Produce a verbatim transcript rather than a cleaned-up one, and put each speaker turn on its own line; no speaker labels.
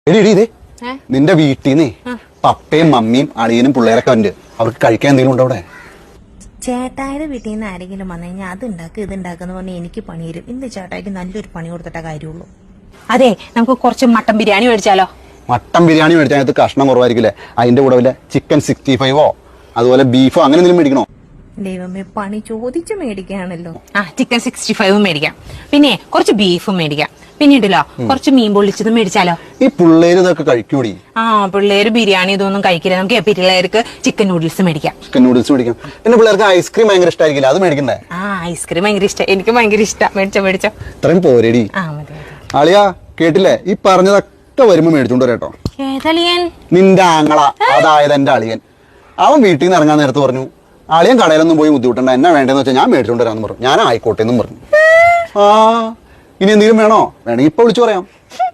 നിന്റെ വീട്ടിൽ നിന്ന് പപ്പയും മമ്മിയും അളിയനും പിള്ളേരൊക്കെ ഉണ്ട്. അവർക്ക് കഴിക്കാൻ എന്തെങ്കിലും ഉണ്ടോ അവിടെ?
ചേട്ടായുടെ വീട്ടിൽ നിന്ന് ആരെങ്കിലും വന്നു കഴിഞ്ഞാൽ അത് ഉണ്ടാക്കുക ഇത് ഉണ്ടാക്കുന്ന പറഞ്ഞാൽ എനിക്ക് പണി തരും. ഇന്ന് ചേട്ടായിക്ക് നല്ലൊരു പണി കൊടുത്തിട്ടേ കാര്യമുള്ളൂ.
അതെ, നമുക്ക് കുറച്ച് മട്ടൻ ബിരിയാണി മേടിച്ചാലോ?
മട്ടൻ ബിരിയാണി മേടിച്ചാൽ അതിനകത്ത് കഷ്ണം കുറവായിരിക്കില്ലേ? അതിന്റെ കൂടെ വല്ല ചിക്കൻ സിക്സ്റ്റി ഫൈവോ അതുപോലെ ബീഫോ അങ്ങനെ എന്തെങ്കിലും മേടിക്കണോ?
ദൈവമേ, പണി ചോദിച്ചു മേടിക്കുകയാണല്ലോ.
ആ, ചിക്കൻ സിക്സ്റ്റി ഫൈവും മേടിക്കാം. പിന്നെ കുറച്ച് ബീഫും മേടിക്കാം. പിന്നീടല്ലോ കുറച്ച് മീൻ പൊള്ളിച്ചതും മേടിച്ചാലോ?
ഈ പിള്ളേര് ഇതൊക്കെ കഴിക്കൂടി.
ആ, പിള്ളേര് ബിരിയാണി ഇതൊന്നും കഴിക്കില്ല. നമുക്ക് പിള്ളേർക്ക് ചിക്കൻ നൂഡിൽസ് മേടിക്കാം.
ചിക്കൻ നൂഡിൽസ് മേടിക്കാം. പിന്നെ പിള്ളേർക്ക് ഐസ്ക്രീം ഭയങ്കര ഇഷ്ടമായിരിക്കില്ല, അത് മേടിക്കണ്ടേ?
ആ, ഐസ്ക്രീം ഭയങ്കര ഇഷ്ടം. എനിക്ക് ഭയങ്കര ഇഷ്ടം. മേടിച്ചോ മേടിച്ചോ.
ഇത്രയും പോരേടി.
ആ, മതി.
അളിയാ കേട്ടില്ലേ? ഈ പറഞ്ഞതൊക്കെ വരുമ്പോ മേടിച്ചോണ്ട് വരാട്ടോ.
ഏതളിയൻ?
നിന്റെ ആങ്ങള, അതായത് എന്റെ അളിയൻ. അവൻ വീട്ടിൽ നിന്ന് ഇറങ്ങാൻ നേരത്ത് പറഞ്ഞു, അളിയൻ കടയിലൊന്നും പോയി ബുദ്ധിമുട്ടണ്ട, എന്നാ വേണ്ടെന്ന് വെച്ചാൽ ഞാൻ മേടിച്ചോണ്ട് വരാന്ന് പറഞ്ഞു. ഞാൻ ആയിക്കോട്ടെ എന്നും പറഞ്ഞു. ആ, ഇനി എന്തെങ്കിലും വേണോ? വേണമെങ്കിൽ ഇപ്പൊ വിളിച്ചു പറയാം.